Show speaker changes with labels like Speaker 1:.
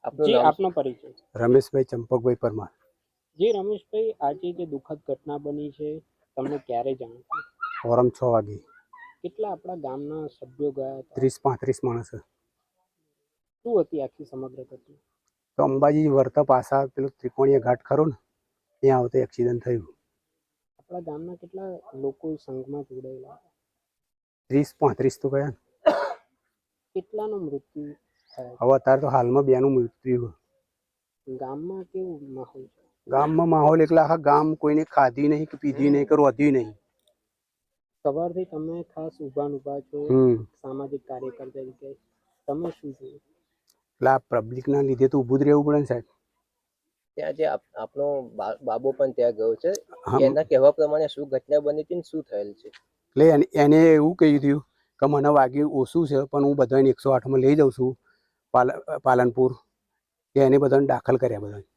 Speaker 1: જી આપનો પરિચય?
Speaker 2: રમેશભાઈ ચંપકભાઈ પરમાર.
Speaker 1: જી રમેશભાઈ, આજે જે દુઃખદ ઘટના બની છે તમને ક્યારે જાણ થઈ?
Speaker 2: સવારમાં 6 વાગે.
Speaker 1: કેટલા આપણા ગામના સભ્યો ગયા હતા?
Speaker 2: 30-35 માણસ.
Speaker 1: શું હતી આખી સમગ્ર ઘટના?
Speaker 2: તો અંબાજી વર્તા પાછા પેલો ત્રિકોણીય ઘાટ ખરો ને ત્યાં આવતો એક્સિડન્ટ થયું.
Speaker 1: આપણા ગામના કેટલા લોકો સંઘમાં જોડાયેલા હતા?
Speaker 2: 30-35 તો ગયા.
Speaker 1: કેટલાનું મૃત્યુ થયા?
Speaker 2: હવે અત્યારે તો હાલમાં 2નું મૃત્યુ.
Speaker 1: ગામમાં કેવું માહોલ છે?
Speaker 2: ગામમાં માહોલ એટલે આખા ગામ કોઈને ખાધી નહીં કે પીધી નહીં કે રોધ્યું નહીં.
Speaker 1: સવારથી તમે ખાસ ઊભા છો સામાજિક કાર્યકર તરીકે, તમે શું જોયું?
Speaker 2: એટલે આ પબ્લિકના લીધે તો ઊભું જ રહેવું પડે ને સાહેબ.
Speaker 3: ત્યાં જે આપનો બાબો પણ ત્યાં ગયો છે, એના કહેવા પ્રમાણે શું ઘટના બની હતી ને શું થયેલ છે?
Speaker 2: એટલે એને એવું કહ્યું હતું કે મને વાગ્યું ઓછું છે પણ હું બધાને 108માં લઈ જાઉં છું પાલનપુર, કે એને બધાને દાખલ કર્યા બધા.